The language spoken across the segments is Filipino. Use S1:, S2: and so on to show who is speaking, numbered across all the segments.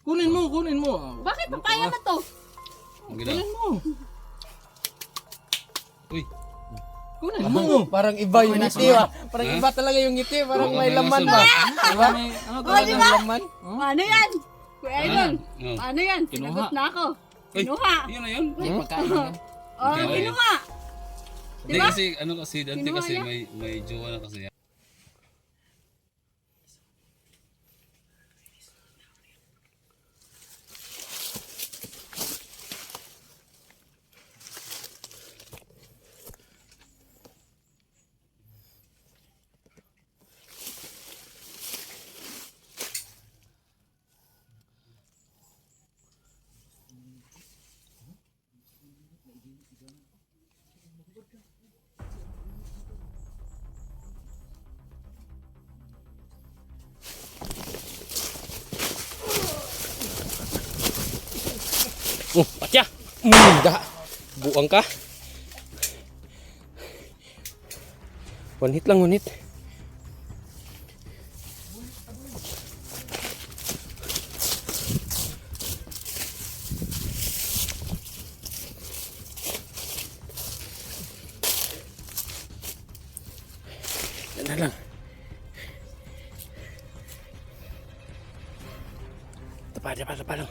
S1: Kunin mo, kunin mo.
S2: Bakit papaya ba to?
S1: Kunin mo.
S3: Uy.
S1: Kunin mo.
S4: Parang iba yung ngiti ah. Parang iba talaga yung ngiti. Parang may laman ba? Diba?
S1: Ano
S4: Parang may laman.
S2: Paano yan? Kuya Idol,
S3: Oh.
S2: paano yan? Sinagot na ako.
S3: Uy,
S2: Kinuha.
S3: yun na yun.
S1: Pagkain yan.
S2: Oh, kinuha.
S3: Hindi kasi, ano kasi, dante
S2: Kinuha
S3: kasi
S2: niya.
S3: may jowa na kasi.
S4: Patya! Da! Buang ka. One hit lang, one hit. Yan na lang. Tapa lang.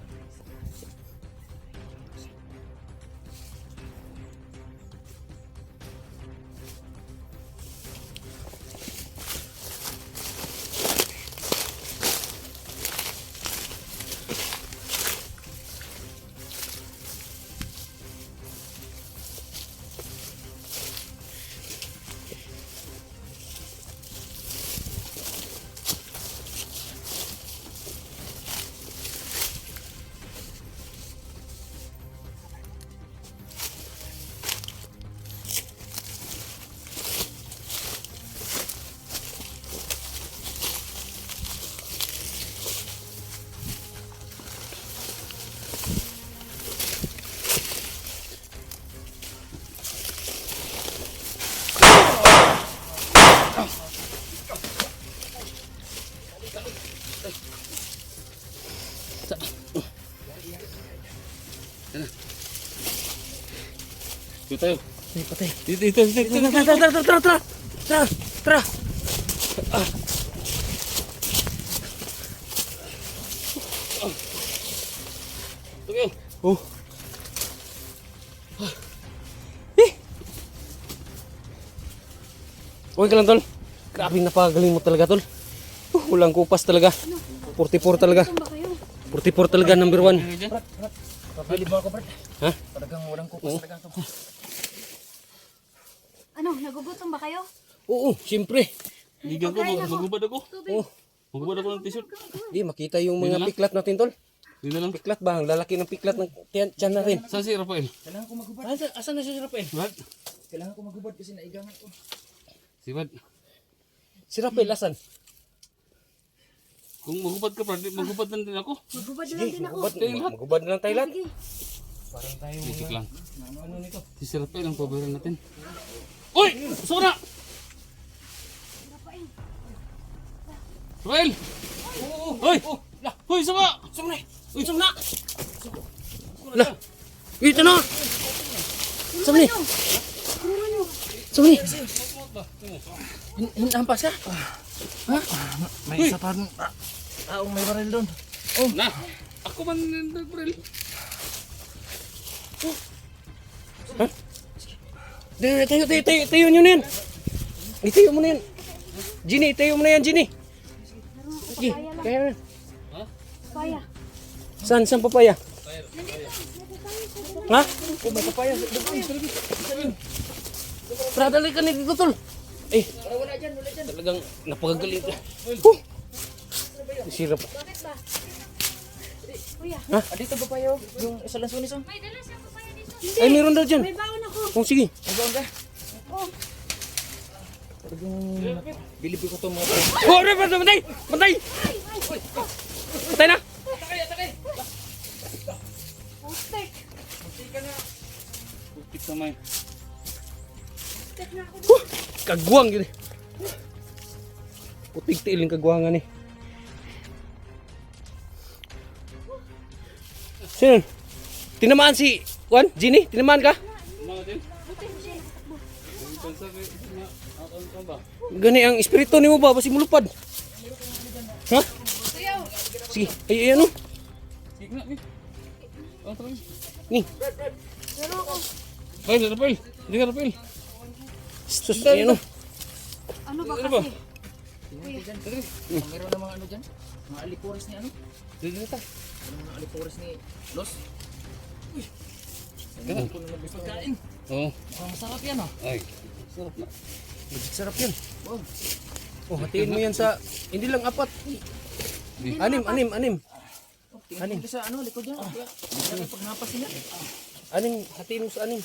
S3: Dito tayo.
S4: Patay.
S3: Dito.
S4: Tara.
S3: Okay.
S4: Oh. Okay ka lang, tol. Grabe, napagaling mo talaga, tol. Walang kupas talaga. 44 talaga. 44 talaga, number 1.
S1: Pwede ba ako, Brad?
S4: Ha?
S1: Talagang walang kupas talaga ito.
S2: Ano, nagugutom ba kayo?
S4: Oo, siyempre.
S3: Ligan ko, magubad ako.
S4: Oh,
S3: Magubad ako ng t-shirt.
S4: di makita yung mga piklat natin, tol.
S3: Dito lang.
S4: Piklat ba? Ang lalaki ng piklat ng tiyan natin.
S3: Saan si Rafael?
S1: Kailangan ko magubad.
S4: Asan na si Rafael?
S3: What?
S1: Kailangan ko magubad kasi naigangan ko.
S3: Si Bad.
S4: Si Rafael, asan?
S3: Kung magubad ka, magubad lang din ako.
S2: Magubad na lang din ako.
S4: Magubad na lang tayo lahat.
S2: Sige.
S4: Parang tayo
S3: Music lang.
S4: ano nito?
S3: Si Rafael ang paboran natin. Uy! Sura! Rafael! Uy! Uy, sama!
S4: Sumna! Uy, sumna! Lah! Ito na! Sumni! Sumni! Hinampas ka?
S1: May isa pa taong may baril doon.
S3: Na! Ako man nag-baril.
S4: Tayo nyo na yan! Itayo mo na yan! Ginny, itayo mo na yan, Ginny! Sige, kaya na.
S2: Papaya.
S4: Saan papaya? Ha? Oh, may papaya. Tara, dali ka na dito, tol. Eh, talagang napakagaling ka. Sirap.
S2: Bakit ba? Kuya,
S1: Dito ba payo? Yung isa lang sunis oh.
S2: may dala siyang papaya dito.
S4: Ay, meron daw dyan.
S2: May baon ako.
S4: Oh, sige.
S1: Nagawan ka?
S2: Oh,
S1: Bilibi ko itong mga
S4: Oh, patay! Patay! Patay na!
S2: pustek.
S3: Pupit naman.
S2: Pustek na ako.
S4: Kagwang gini. Putig tiiling kagwangan eh. Sino? Tinamaan si Juan? Ginny? Tinamaan ka?
S3: Mga din. Pensa kay na ako ba?
S4: Gani ang espiritu ni mo ba? Basi mulupad. Ha? Sige. Ay, ano?
S3: Sige na ni. Oh, tara.
S4: Ni.
S3: Bay, Rapel. Hindi ka Rapel.
S4: Sus, ay, ano?
S2: Ano ba
S3: Ano ba?
S2: kasi?
S1: Meron na mga ano dyan? Mga alipores ni ano?
S3: Dito ta.
S1: Mga alipores ni Los.
S3: Ganun.
S1: Kung ano gusto kain.
S3: Oh.
S1: Mukhang masarap yan ah.
S3: Ay. Sarap na.
S4: Magic sarap yan.
S1: Wow.
S4: Oh, hatiin mo yan sa... Hindi lang apat. Anim.
S1: Tingnan mo sa ano, likod yan. Pag napas nila.
S4: Anim, hatiin mo sa anim.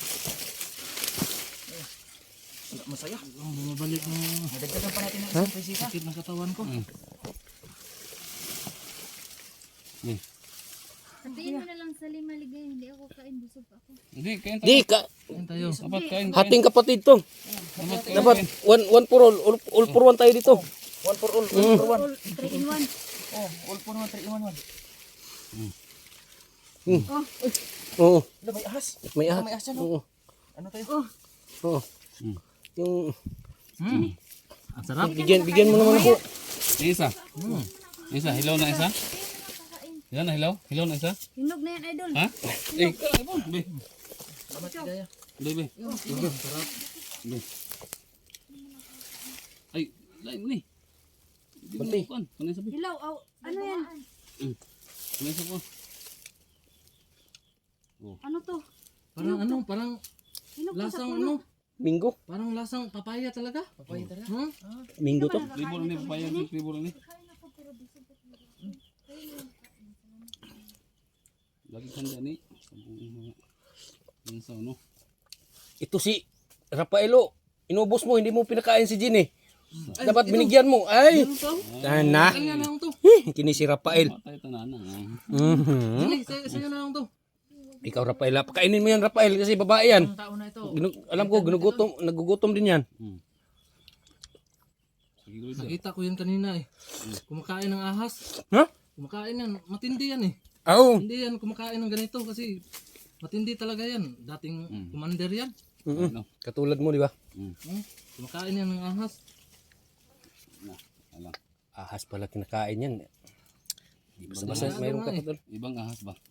S1: Masaya. Bumabalik mo. Nadagdagan pa natin ng isang presita. Sakit ng katawan ko.
S2: Sabihin mo na lang sa lima ligay, hindi ako kain, busog pa ako.
S3: Hindi kain tayo.
S4: Di ka.
S1: Kain tayo.
S3: Dapat kain.
S4: Hating kapatid to. Dapat one for all for one tayo dito.
S1: One for all. One for one.
S2: 3 in 1.
S1: Oh, all for one. 3 in 1.
S4: Oo.
S1: Ano, may ahas.
S4: May ahas.
S1: May ahas yan.
S4: Oo.
S1: Ano tayo?
S4: Oo. Yung
S1: Ang sarap.
S4: bigyan mo naman ako.
S3: Isa. Isa, hilaw na isa. Yan na hilaw. Hilaw na isa.
S2: Hinog na yan, idol.
S3: Ha? Eh, ibon. Be.
S1: Salamat kaya.
S3: Be, be.
S1: Sarap.
S3: Be. Ay, lain mo ni. Di mo
S4: Bantay.
S3: kuan. Kanay sabi.
S2: Hilaw, ano yan?
S3: Kanay sa ko.
S2: Ano to?
S1: Parang ano, parang
S2: Hinog pa sa
S1: lasang
S2: puno.
S1: ano.
S4: Minggo.
S1: Parang lasang papaya talaga. Papaya talaga.
S4: Minggo to.
S3: Tribol ni papaya ni tribol ni. Lagi kanda ni. Yan sa ano.
S4: Ito si Rafaelo. Inubos mo, hindi mo pinakain si Ginny. Dapat binigyan mo. Ay! Sana.
S1: Kanya na lang to.
S4: Kini si Rafael.
S3: Matay tanana.
S4: Mhm.
S1: Sa'yo na lang to.
S4: Ikaw Rafael, pakainin mo yan Rafael kasi babae yan.
S1: Ang tao na ito.
S4: Alam ko, nagugutom din yan.
S3: Sige dito.
S1: Nakita ko yan kanina eh. Kumakain ng ahas.
S4: Ha?
S1: Kumakain yan. Matindi yan eh.
S4: Oo.
S1: Hindi yan kumakain ng ganito kasi matindi talaga yan. Dating commander yan.
S3: Ano?
S4: Katulad mo, di ba?
S1: Kumakain yan ng ahas.
S3: Alam.
S4: Ahas pala kinakain yan. Di basta mayroon ka pa doon.
S3: Ibang ahas ba?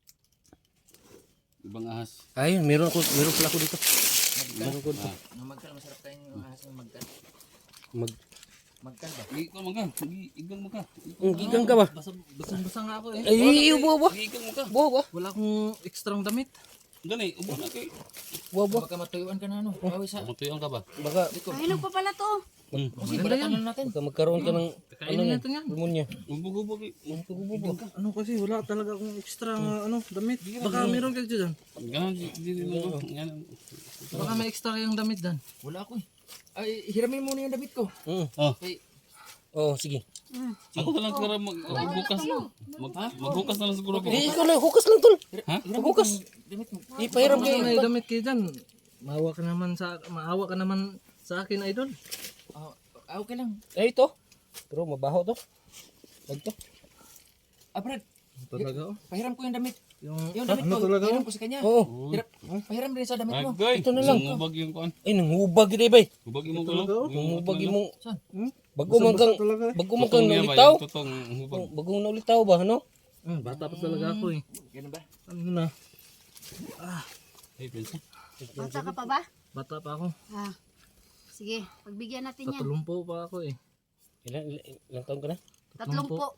S3: Ibang ahas.
S4: Ayun, meron pala ako dito. Meron ko dito.
S1: Ang magkal, masarap kain yung ahas ng magkal. Magkal ba?
S3: Ikaw maga. Igang maga.
S4: Gigang ka ba?
S1: Basang-basa nga ako eh.
S4: Ay, ubo ba?
S3: Igang maga.
S4: Buwa ba?
S1: Wala akong ekstrang damit.
S3: Gani, ubo na kay.
S4: Buwa ba?
S1: Baka matuyuan ka na ano. Awis ha.
S3: Matuyang ka ba?
S4: Baka,
S2: Ay, hinog pa pala to.
S1: Kasi balatan na natin.
S4: baka magkaroon ka ng
S1: Kainin natin yan.
S4: pulmonya.
S3: Ubo-ubo kay.
S1: Ano kasi wala talaga akong extra ano damit. Baka meron kayo dyan.
S3: Ganon di mo. Yan.
S1: Baka may extra yung damit dan. Wala ako eh. Ay, hiramin muna yung damit ko.
S3: Oh,
S1: Kay,
S4: Oh, sige.
S3: ako na lang siguro magbukas. Magbukas na lang siguro ako.
S4: Eh, ikaw lang, hukas lang tol.
S3: Ha?
S4: Hukas.
S1: damit mo.
S4: Ipahiram
S1: Baka
S4: kayo.
S1: may damit kayo dyan. Maawa ka naman sa akin, idol. Okay lang.
S4: Eh, ito. Pero mabaho to. Wag to.
S1: Brad,
S4: Talaga oh.
S1: pahiram ko yung damit. Yung damit ko, pahiram ko sa kanya.
S4: Oo.
S1: Pahiram rin sa damit mo.
S3: Agay.
S4: Ito na lang.
S3: Hubag yung kuan.
S4: Ay, nanghubag ito bay.
S3: Hubag mo ko.
S4: Nanghubag mo.
S1: Saan?
S4: Bago man kang
S3: Tutong niya ba?
S4: naulitaw.
S3: Yung tutong hubag.
S4: Bagong naulitaw ba, ano?
S1: Bata pa talaga ako eh.
S3: Ganun ba?
S1: Ano na?
S3: Ay, pensa.
S2: Bata ka pa ba?
S1: Bata pa ako.
S2: Ah. Sige, pagbigyan natin yan.
S1: Tatulumpo pa ako eh.
S4: Ilang taon ka na?
S2: 3 po.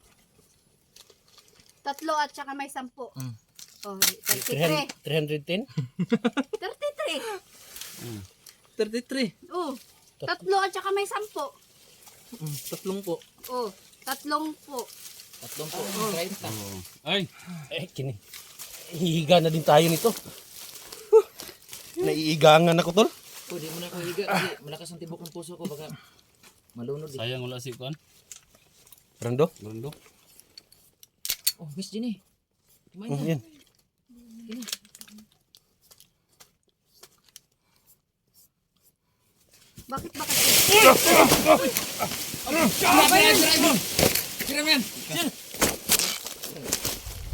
S2: 3 at saka may 10. Oh, 33.
S4: 310?
S2: 33.
S1: 33.
S2: Oh, 3 at saka may 10.
S1: Tatlong po.
S2: Oh, 3 po.
S1: Tatlong po. 30.
S3: Ay,
S4: Eh, kini. Hihiga na din tayo nito. Naiigangan ako tol.
S1: Oh, di mo na ako higa. Kasi malakas ang tibok ng puso ko. Baka malunod eh.
S3: sayang wala si kuan.
S4: Rando?
S3: Rondo.
S1: Oh, Miss Jenny. Kumain
S4: Oh,
S1: na.
S4: yan.
S2: Bakit ba kasi?
S1: Siram yan!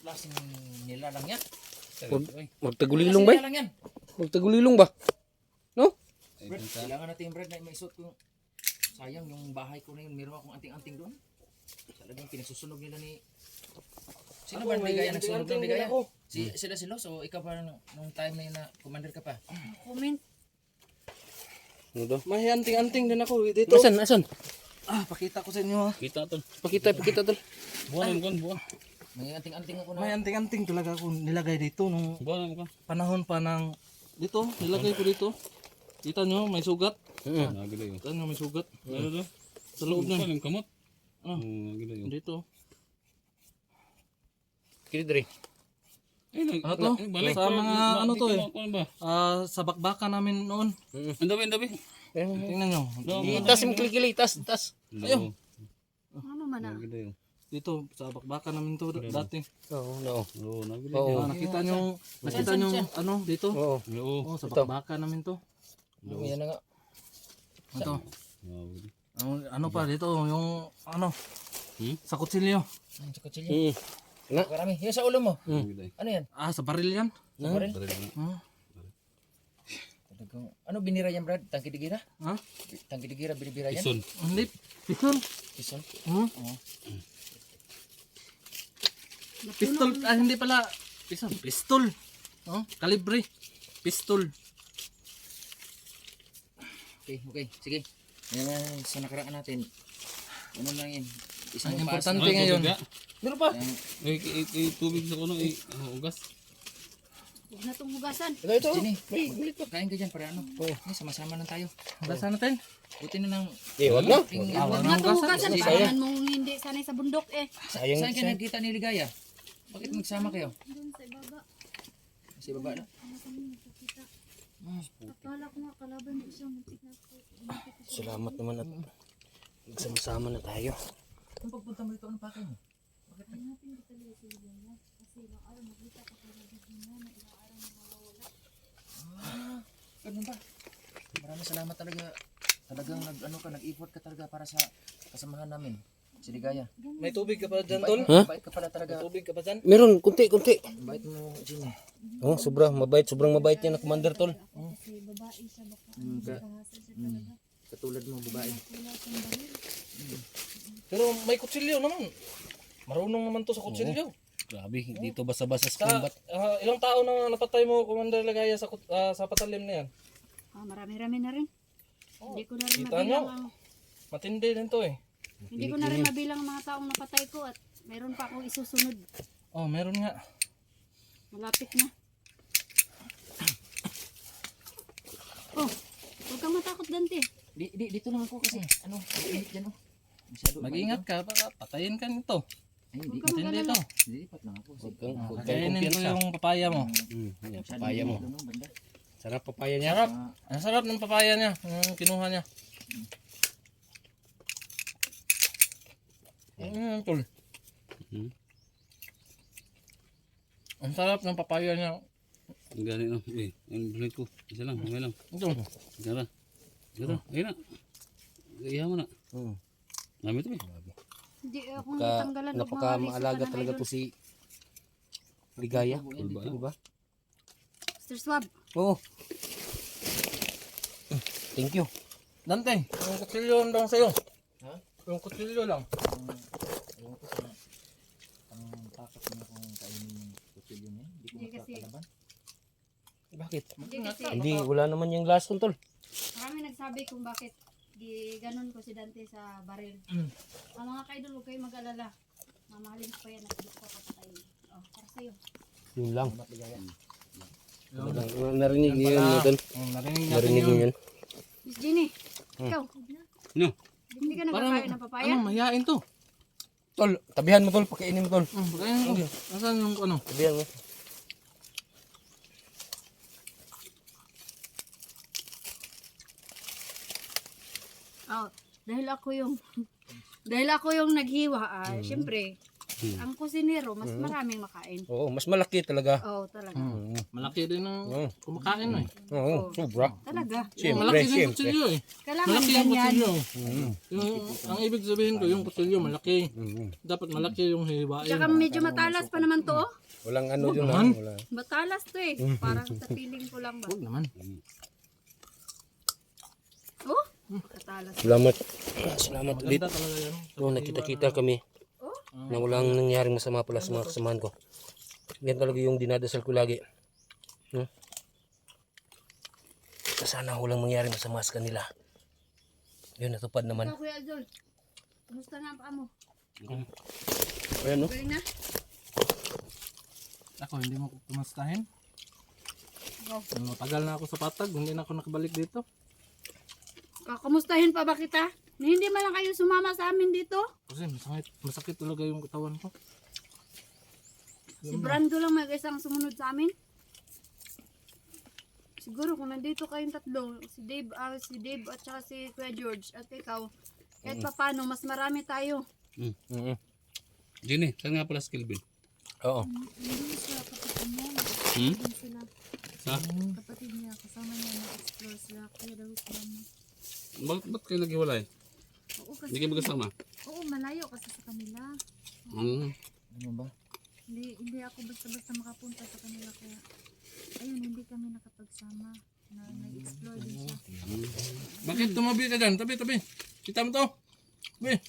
S1: klaseng nila lang yan?
S4: Magtagulilong ba?
S1: Nila lang yan.
S4: Magtagulilong ba? No?
S1: Brad, kailangan natin Brad na maisuot ko yung sayang yung bahay ko na yun. Meron akong anting-anting doon. Talagang pinagsusunog nila ni... Sino ba ligaya nagsunog ng ligaya? Sila si Los o ikaw pa nung time na yun na commander ka pa?
S2: Comment.
S4: Ano daw?
S1: May anting-anting din ako dito.
S4: Asan?
S1: Pakita ko sa inyo.
S3: Kita tol.
S4: Pakita tol.
S3: Buwan mo kan, buwan.
S1: May anting-anting ako na. May anting-anting talaga ako nilagay dito nung
S3: Buwan mo kan.
S1: panahon pa ng... Dito, nilagay ko dito. Kita nyo, may sugat.
S3: Nagila yun.
S1: Kita nyo, may sugat.
S3: Ano daw?
S1: Sa loob nun.
S3: Yung kamot. Nagila yun.
S1: Dito.
S4: Kili
S1: Ano to? Sa mga ano to eh.
S3: Ano ba?
S1: Sa bakbakan namin noon.
S3: Ang dabi.
S1: Tingnan nyo.
S4: Itas mo kili, tas.
S3: Ayun.
S2: Ano man ah.
S3: Nagila yun.
S1: Dito, sa bakbakan namin to dati.
S4: Oo, no.
S3: Oo, nagila
S4: Oo.
S3: yun.
S1: Nakita nyo ano dito?
S4: Oo.
S3: Oo.
S1: Sa bakbakan namin to.
S4: Yan na nga.
S1: Ito.
S3: Nagila.
S1: Ano pa dito, yung ano, sa kutsilyo.
S2: Sa kutsilyo. Marami. Yung sa ulo mo.
S3: yun.
S2: Ano yan?
S1: Sa baril yan.
S2: Sa baril?
S1: Hmm.
S2: Talagang, ano binira yan Brad? Tangkidigira?
S1: Ha?
S2: Tangkidigira binibira yan?
S3: Ison.
S1: Hindi. Pistol.
S2: Kison?
S1: Hmm? Pistol. Hindi pala. Pistol. Kalibre. Pistol.
S2: Okay. Sige. Yan, sa nakaraan natin. Ano lang yan? Isang
S1: Ang
S2: paas
S1: importante
S2: na-
S1: ngayon.
S2: Meron pa?
S3: Tubig sa kuno. Ugas.
S2: Huwag na itong hugasan.
S4: Ito.
S2: Jenny, kain ka dyan para ano? Sama-sama lang tayo.
S1: Hugasan natin.
S2: Buti na lang.
S4: Wag na.
S2: Huwag na itong hugasan. Parang mong hindi sanay sa bundok eh.
S4: Sayang.
S2: Saan ka nagkita ni Ligaya? Bakit magsama kayo?
S5: Doon sa ibaba.
S2: Sa baba na?
S5: Ano kami nakikita. Akala ko nga kalaban mo siya. Muntik na ako.
S4: Salamat naman at nagsama-sama na tayo.
S2: Kung pagpunta mo ito, ano pa kayo?
S5: Hanapin ko talaga si Ligaya. Kasi ilang araw nakita ko talaga niya na ilang araw na mawawala.
S2: Ganun ba? Maraming salamat talaga. Talagang nag-effort ka talaga para sa kasamahan namin. Si Ligaya.
S1: May tubig ka pa dyan, Tol?
S2: Bait ka pala talaga.
S1: Tubig ka pa dyan?
S4: Meron, kunti.
S2: Bait mo, Jimmy.
S4: Oh, sobrang mabait yan na commander tol.
S5: Kasi babae siya baka kahasa siya talaga.
S2: Katulad mo, babae.
S5: Wala siyang baril.
S1: Pero may kutsilyo naman. Marunong naman to sa kutsilyo.
S3: Grabe, dito basa-basa sa
S1: Sa
S3: combat.
S1: ilang tao na napatay mo, Commander Ligaya, sa patalim na yan?
S2: Marami-rami na rin. Hindi ko na rin
S1: Kita
S2: mabilang
S1: nyo?
S2: ang...
S1: Matindi din to eh.
S2: Hindi ko na rin mabilang ang mga taong napatay ko at meron pa akong isusunod.
S1: Oh, meron nga.
S2: Malapit na. Oh, huwag kang matakot Dante. Dito lang ako kasi. Mainit dyan oh. Masyado
S1: Mag-ingat ka, baka patayin ka nito.
S2: Ay, hindi.
S1: Matindi to.
S2: Lilipat lang ako.
S4: Huwag kang
S1: Kainin ko
S4: kumpiyansa.
S1: yung papaya mo.
S4: Yan, papaya mo.
S2: Banda.
S4: Sarap papaya niya.
S1: Sarap. Ang sarap ng papaya niya, yung kinuha niya. Tol. Ang sarap ng papaya niya.
S3: Ang gani no. Ang bulit ko. Isa lang, may lang.
S1: Ito.
S3: Gara. Ayun na. Iya mo na. Nami to eh.
S2: Hindi ako natanggalan.
S4: Napaka-maalaga talaga to si Ligaya. Diba?
S2: Mr. Swab.
S4: Oo. Thank you.
S1: Dante, yung kutsilyo lang sa'yo.
S2: Ha?
S1: Yung kutsilyo lang.
S2: Ewan ko sa ang takot niya kung kainin yung kutsilyo niya. Hindi ko makakalaban.
S4: Bakit?
S2: Hindi kasi
S4: Hindi, wala naman yung last tol.
S2: marami nagsabi kung bakit ganon ko si Dante sa baril. Ang mga kaidol, huwag kayo mag-alala. Mamahalin ko pa yan at hindi ko kapatayin. Oh, para sa'yo.
S4: Yun lang.
S2: Ligaya.
S4: Narinig niyo yun, tol.
S1: Narinig natin
S4: Narinig niyo yun.
S2: Miss Jenny, ikaw.
S3: No.
S2: Hindi ka nagkakain ng papaya?
S1: Ano, mahihain to.
S4: Tol, tabihan mo tol, pakainin mo tol.
S1: Pagkain ko. Nasaan yung ano?
S4: Tabihan mo.
S2: Oh, dahil ako yung naghiwa, syempre, ang kusinero, mas maraming makain.
S4: Oo, mas malaki talaga.
S2: Oo, talaga.
S3: Malaki din ang
S4: Oo.
S3: kumakain eh.
S4: Oo, sobra.
S2: Talaga.
S4: Siyempre,
S3: Malaki din yung
S4: siyempre.
S3: kutsilyo eh.
S2: Kailangan
S3: Malaki yung
S2: ganyan.
S3: kutsilyo. Ang ibig sabihin ko, yung kutsilyo malaki.
S4: Mm.
S3: Dapat malaki yung hiwain.
S2: Tsaka medyo matalas pa naman to. Oh.
S4: Walang ano yun
S3: naman.
S4: Wala.
S2: Matalas to eh. Parang sa feeling ko lang ba.
S3: Huwag naman.
S2: Oh, matalas.
S4: Salamat. Salamat ulit.
S3: Ganda talaga yan.
S4: No, nakita-kita kami na walang nangyaring masama pala sa mga kasamahan ko. Yan talaga yung dinadasal ko lagi. Sana walang mangyari masama sa kanila. Yun, natupad naman.
S2: Ikaw, Kuya Azul. Kumusta na ang paa mo?
S4: Ayan, no?
S2: Galing na?
S3: Ako, hindi mo kumustahin.
S2: Go.
S3: Matagal na ako sa patag, hindi na ako nakabalik dito.
S2: Kakamustahin pa ba kita? Na hindi man lang kayo sumama sa amin dito?
S3: Kasi masakit talaga yung katawan ko.
S2: Si Brando lang may isang sumunod sa amin. Siguro kung nandito kayong tatlo, si Dave at saka si Kuya George at ikaw, kahit pa paano, mas marami tayo.
S3: Jenny, saan nga pala si Kelvin?
S4: Oo.
S5: Hindi sila kapatid niya.
S3: Hmm?
S5: Hindi sila
S3: Sa?
S5: kapatid niya. Kasama niya na-explore sila. Kaya daw sila mo.
S3: Ba't kayo naghiwalay?
S5: Oo, kasi,
S3: Hindi kayo magkasama?
S5: oo, malayo kasi sa kanila.
S1: Ano ba?
S5: Hindi ako basta-basta makapunta sa kanila. Kaya, ayun, hindi kami nakapagsama. Nag-explore din siya.
S3: Bakit tumabi ka dyan? Tabi. Kita mo to? Tabi.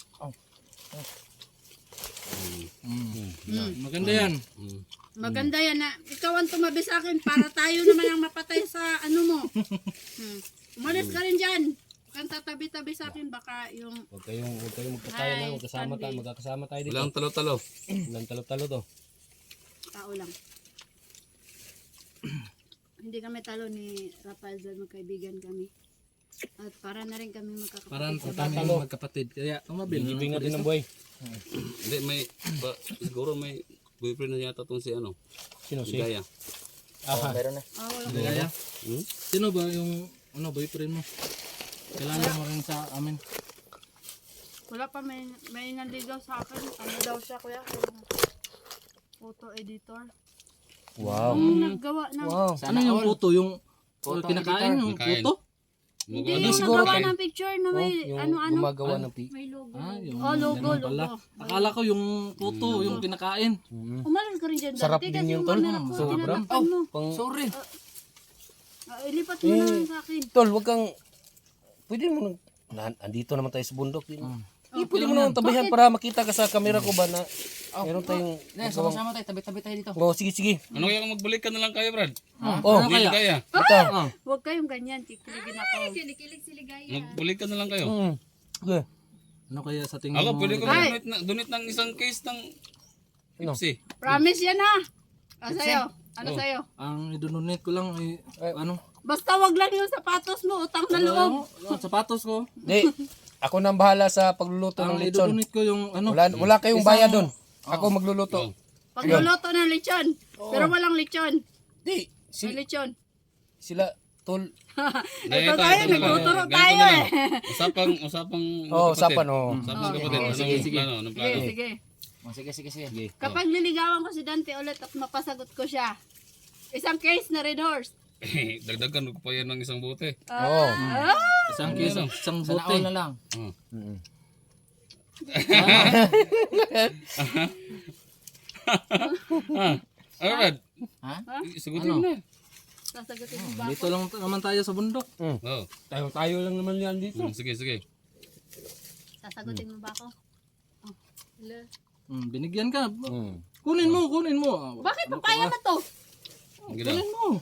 S3: Maganda yan.
S2: Maganda yan na ikaw ang tumabi sa akin para tayo naman ang mapatay sa ano mo. Umalis ka rin dyan. Huwag kang tatabi-tabi sa akin baka yung
S4: Huwag kayong magkakaya na, magkasama tayo, magkakasama tayo dito.
S3: Walang talo-talo.
S4: Walang talo-talo to.
S2: tao lang. Hindi kami talo ni Rafael dahil magkaibigan kami. At para na rin kami
S3: Parang
S2: magkakapatid sa
S3: kami
S2: bahay.
S3: magkapatid. Kaya tumabi.
S4: Binibing natin ng buhay.
S6: Hindi, siguro may boyfriend na yata itong si ano,
S4: Sino
S6: si
S4: si?
S6: Gaya.
S4: Aha.
S1: Meron na.
S2: Walang
S3: Kaya,
S6: Hmm?
S3: sino ba yung boyfriend mo? Kailangan mo rin sa amin.
S2: Wala pa may nanligaw sa akin. Ano daw siya kuya? Photo editor.
S4: Wow.
S2: Ang naggawa ng
S4: Wow.
S3: Ano yung puto? Yung
S1: Photo
S3: kinakain? Yung
S6: Kinakain.
S3: puto?
S2: hindi
S6: Ano
S2: yung
S6: siguro
S2: nagawa
S6: kayo?
S2: ng picture na may
S4: Yung
S2: ano-ano.
S4: gumagawa ng
S5: May logo.
S3: Yung
S2: Oh, logo,
S3: ganun pala.
S2: logo.
S3: Akala ko yung puto, yung kinakain.
S2: Umalis ka rin dyan
S4: Sarap
S2: dati
S4: din
S2: kasi
S4: yun,
S2: yung
S4: tol.
S2: camera ko,
S4: Sobra.
S2: tinatapon mo.
S4: Pang,
S1: Sorry.
S2: Ilipat mo na lang sa akin.
S4: tol, wag kang, pwede mo andito naman tayo sa bundok. Pwede mo naman tabihan para makita ka sa camera ko ba na meron tayong,
S1: Sama-sama tayo. Tabi-tabi tayo dito.
S4: oh, sige.
S6: Ano kaya kung magbalik ka na lang kayo, Brad?
S4: Oh,
S3: Ano
S6: Hindi
S3: kaya?
S6: Gaya.
S4: ito.
S2: Huwag kayong ganyan, kikiligin ako.
S5: Kilig-kilig si Ligaya.
S6: Magbalik ka na lang kayo.
S4: Okay.
S3: Ano kaya sa tingin
S6: Ako,
S3: mo?
S6: pwede ko
S2: Ay!
S6: donate ng isang case ng
S4: Ano?
S6: Pepsi.
S2: Promise yan ha. Ano sa'yo? Ano sa'yo?
S3: Ang idonate ko lang ay, ano?
S2: Basta wag lang yung sapatos mo, utang na loob.
S3: Sapatos ko.
S4: Di, ako nang bahala sa pagluluto
S3: Ang
S4: ng lechon.
S3: idonate ko yung ano?
S4: Wala kayong bayad doon. Ako magluluto.
S2: Pagluluto ng lechon. Pero walang lechon.
S4: Di,
S2: May lechon.
S4: sila, tol.
S2: Ito tayo, nagtuturo tayo eh.
S6: Usapang
S4: Oh,
S6: magkapatid.
S4: usapan, oh.
S6: Usapang kapatid. Anong plano? Anong
S2: Sige,
S6: plano?
S2: sige.
S1: Oh, sige.
S2: Kapag niligawan ko si Dante ulit at mapasagot ko siya, isang case na Red Horse.
S6: Dagdagan ko pa yan ng isang bote.
S4: Oo.
S3: Isang kiso, isang
S1: Sana
S3: bote.
S1: all na lang.
S6: Oh. Ano, Brad?
S1: Ha?
S6: Sagutin mo na.
S2: Sasagutin mo ba?
S3: Dito lang naman tayo sa bundok.
S6: Oh.
S4: Tayo lang naman yan dito.
S6: Sige.
S2: Sasagutin mo ba ako? Oh. Hello?
S3: Binigyan ka. Kunin mo.
S2: Bakit papaya na to?
S6: Ang ginawa.
S3: Kunin mo.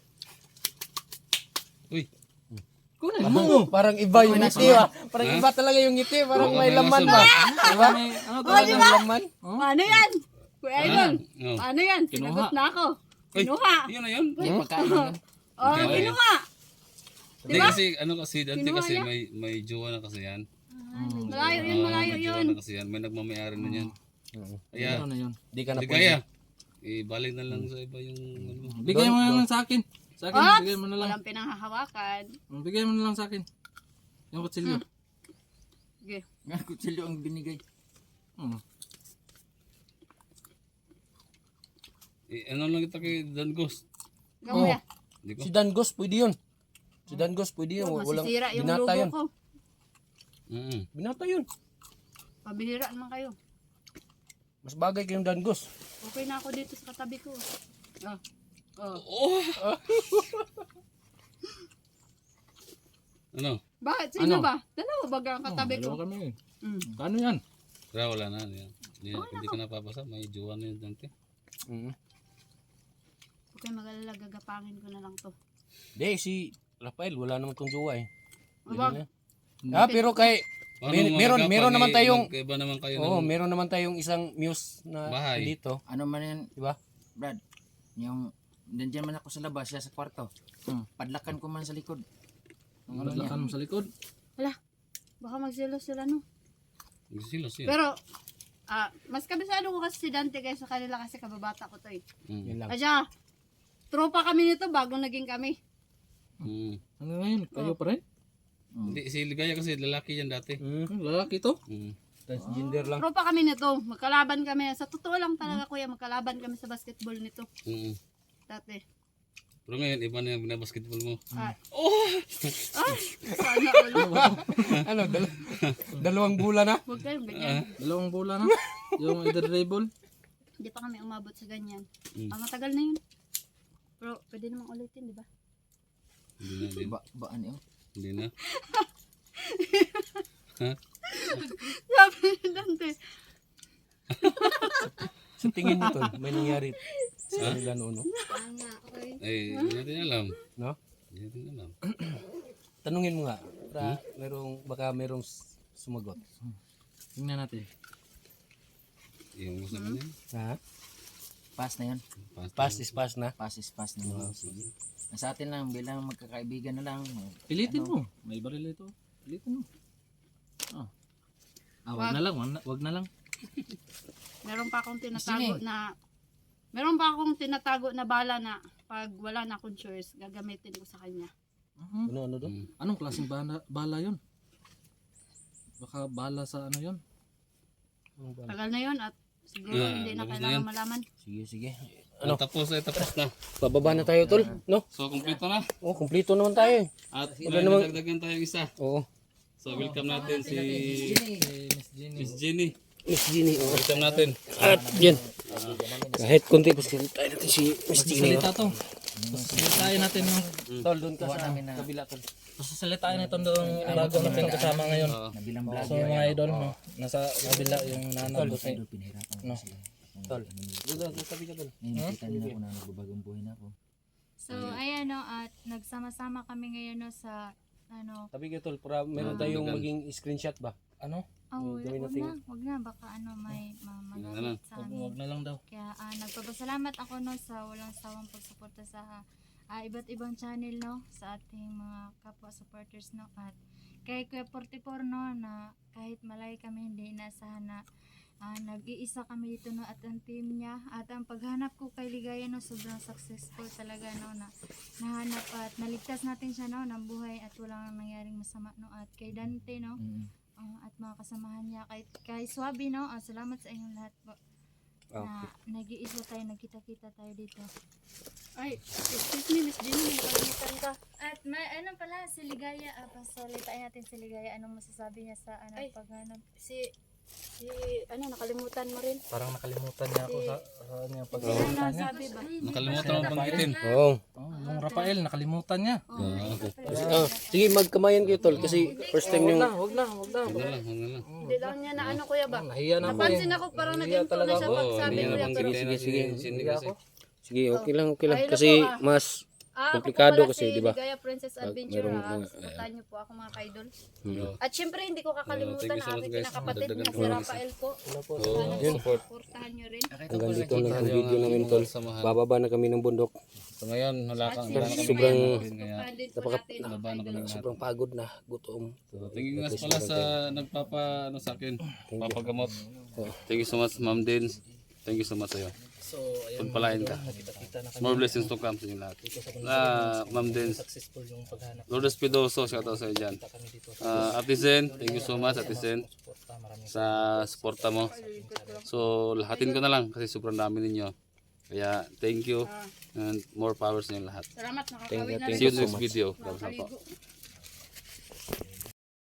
S6: Uy.
S3: Kunin mo.
S4: Parang iba yung ngiti, ah. Parang iba talaga yung ngiti. Parang may laman ba? Diba?
S3: Ano to?
S4: Parang may laman.
S2: Ano yan? Kuya Idol,
S6: Oh.
S2: ano yan? Sinagot na ako. Kinuha.
S6: Yun na yun.
S1: May pagkain yan.
S2: Oh, kinuha.
S6: Hindi kasi, ano kasi, dati
S2: Kinuha
S6: kasi
S2: niya?
S6: may jowa na kasi yan.
S2: Malayo yun, malayo
S6: May jowa
S2: yun.
S6: na kasi yan. May nagmamayari na yan. Kaya,
S3: Ano na yun?
S4: Di ka na
S6: hindi
S4: pwede.
S6: kaya. Ibalik na lang sa iba yung ano.
S3: Bigay mo na lang sa akin. Sa akin,
S2: Ops!
S3: bigay mo na lang.
S2: Walang pinanghahawakan.
S3: Bigay mo na lang sa akin. Yung kutsilyo.
S2: Sige.
S1: Nga, kutsilyo ang binigay.
S6: Ano lang kita kay Dan Ghost.
S2: Gamo ya.
S6: Di ko.
S4: Si Dangos, pwede yun. Si Dangos, pwede yun. Walang
S2: Masisira yung
S4: binata
S2: logo
S4: yun.
S2: ko.
S4: Binata yun.
S2: Pabihira naman kayo.
S4: Mas bagay kayong Dangos.
S2: Okay na ako dito sa katabi ko. Oh.
S6: Ano?
S2: Bakit? Sino
S1: Ano?
S2: ba? Dalawa ba ang katabi ko?
S1: Dalawa kami.
S2: Mm.
S1: Kano yan?
S6: Kaya wala na. Hindi ka napapasa. May jowa na yun dante.
S2: Okay, mag-alala, gagapangin ko na lang to.
S4: Di, si Rafael, wala naman tong jowa eh.
S2: Wag.
S4: Pero kay, meron naman tayong,
S6: Iba naman kayo
S4: oo,
S6: ng
S4: meron naman tayong isang muse na
S6: Bahay.
S4: dito.
S1: Ano man yan,
S4: Diba?
S1: Brad? Yung, nandiyan man ako sa labas, siya sa kwarto. Padlakan ko man sa likod. Ang ano niya.
S3: Padlakan mo sa likod.
S2: Wala. Baka magsilos sila, no?
S6: Silos yun.
S2: Pero, mas kabisado ko kasi si Dante kaysa kanila kasi kababata ko to eh.
S4: Yun lang.
S2: Asya, tropa kami nito bago naging kami.
S3: Ano ngayon? Kayo pa rin?
S6: Hindi, si Ligaya kasi lalaki yan dati.
S3: Lalaki to?
S4: Transgender lang.
S2: Tropa kami nito. Magkalaban kami. Sa totoo lang talaga kuya, magkalaban kami sa basketball nito. Dati.
S6: Pero ngayon, iba na yung binabasketball mo.
S2: Sana ulo.
S4: Ano, dalawang bulan na?
S2: Huwag kayong ganyan.
S3: Dalawang bola na? Yung dribble?
S2: Hindi pa kami umabot sa ganyan. Matagal na yun. Pero pwede namang ulitin, di ba?
S6: Hindi na.
S1: Baan yun?
S6: Hindi na.
S2: Sabi ni Dante.
S4: Sa tingin mo tol, may nangyari sa kanila noon, no?
S2: Okay.
S6: Eh, hindi natin alam.
S4: No?
S6: Hindi natin alam.
S4: Tanungin mo nga, para baka merong sumagot.
S3: Tingnan natin.
S6: Yung gusto mo na yun.
S4: Ha?
S1: Pass na yun.
S4: Pass is pass na.
S1: Pass is pass na yun. Sige. Sa atin lang, bilang magkakaibigan na lang.
S3: Pilitin mo. May baril ito. Pilitin mo. Wag na lang. Wag na lang.
S2: Meron pa akong tinatago na bala na pag wala na akong choice, gagamitin ko sa kanya.
S4: Ano doon?
S3: Anong klaseng bala yun? Baka bala sa ano yun?
S2: Tagal na yun at siguro hindi na
S6: tapos na
S2: kailangan
S6: yan.
S2: malaman.
S4: Sige.
S6: Ano? Tapos na.
S4: Bababa na tayo tol, no?
S6: So, kumpleto na.
S4: Oh, kumpleto naman tayo.
S6: At
S4: namang-
S6: nadagdagan tayo isa.
S4: Oo.
S6: So, welcome natin si Miss Jenny.
S4: Miss Jeannie, oh.
S6: Welcome natin.
S4: At yan. Kahit konti, pasalita tayo natin si Miss Jeannie.
S3: Salita to. Pasasalitain natin yung...
S4: Tol, doon ka sa kabila tol.
S3: Pasasalitain natin doon bago natin kasama ngayon.
S1: Nabilang vlog.
S3: So mga idol, no? Nasa kabila yung nanay ko.
S1: Pinahirapan ko
S3: No.
S1: sila.
S4: Tol. Doon, tabi ka tol.
S1: Ngayon, nakita nila ako na nagbabagong buhay na ako.
S5: So, ayan no, at nagsama-sama kami ngayon no sa, ano,
S4: Tabi ka tol, para meron tayong maging screenshot ba?
S3: Ano?
S4: Gawin natin.
S5: wag na, baka ano, may
S6: lang.
S5: magamit sa amin.
S3: Wag na lang daw.
S5: Kaya nagpapasalamat ako no sa walang sawang pagsuporta sa iba't ibang channel no sa ating mga kapwa supporters no, at kay Kuya 44 no, na kahit malay kami hindi inaasahan na nag-iisa kami dito no, at ang team niya at ang paghanap ko kay Ligaya no, sobrang successful talaga no, na nahanap at naligtas natin siya no ng buhay at walang nangyaring masama no, at kay Dante no, at mga kasamahan niya kay Swabi no, salamat sa inyong lahat po na nag-iisa tayo, nagkita-kita tayo dito.
S2: Ay, excuse me, Miss Jenny, nakalimutan ka.
S5: At may ano pala si Ligaya, pasalitain natin si Ligaya, anong masasabi niya sa paghanap?
S2: Nakalimutan mo rin.
S3: Parang nakalimutan niya ako sa kanyang
S2: Ano
S3: pagsalita niya.
S2: sabi ba?
S6: Nakalimutan mo banggitin.
S4: Oo.
S3: Yung Rafael, nakalimutan niya.
S4: Sige, magkamayan kayo tol, kasi first time yung...
S3: Wag na.
S6: Huwag na lang.
S2: Hindi lang niya na ano kuya ba?
S3: Nahiya na ako eh.
S2: Napansin ako parang nag-improve na siya pag sabi
S6: Hindi na
S2: kuya. Pero
S6: banggitin na si Cindy kasi.
S4: Sige, okay lang.
S2: Ay,
S4: Kasi
S2: naku,
S4: mas
S2: ako
S4: komplikado
S2: po pala
S4: kasi,
S2: si
S4: di ba?
S2: Ligaya Princess Adventure.
S4: merong,
S2: Supportahan niyo po ako mga kaidol.
S4: Hmm.
S2: At syempre hindi ko kakalimutan
S6: thank you
S2: na
S6: so much,
S2: aking
S6: guys.
S2: kinakapatid
S6: Dagdagan
S2: na
S6: ko
S2: si
S6: lang
S2: Rafael po.
S6: Yun. Support.
S2: Supportahan niyo rin.
S4: Hanggang dito lang ang video namin tol. Bababa na kami ng bundok.
S6: So ngayon, wala kang
S4: Sobrang
S2: Supportahan din po natin mga kaidol.
S4: sobrang pagod na, gutom.
S6: So, thank you guys pala sa nagpapa sa akin, papagamot. Thank you so much, Ma'am Din. Thank you so much sa'yo.
S3: So, ayun,
S6: Pagpalain ka.
S3: nakita na kami.
S6: More blessings to come sa inyo lahat. Ma'am Din.
S3: Successful yung paghanap
S6: Lourdes Pidoso, shout out sa'yo dyan.
S3: kami dito.
S6: Ate Zen, thank you so much, Ate Zen,
S3: Suporta, maraming
S6: sa suporta mo. So, lahatin ko na lang kasi sobrang dami ninyo. Kaya thank you and more power sa inyo lahat.
S2: Salamat,
S4: Thank
S2: nakakawin
S4: you,
S2: na
S4: thank
S6: See you
S2: rin.
S6: next video. Bye-bye po.
S2: Nakakaligo.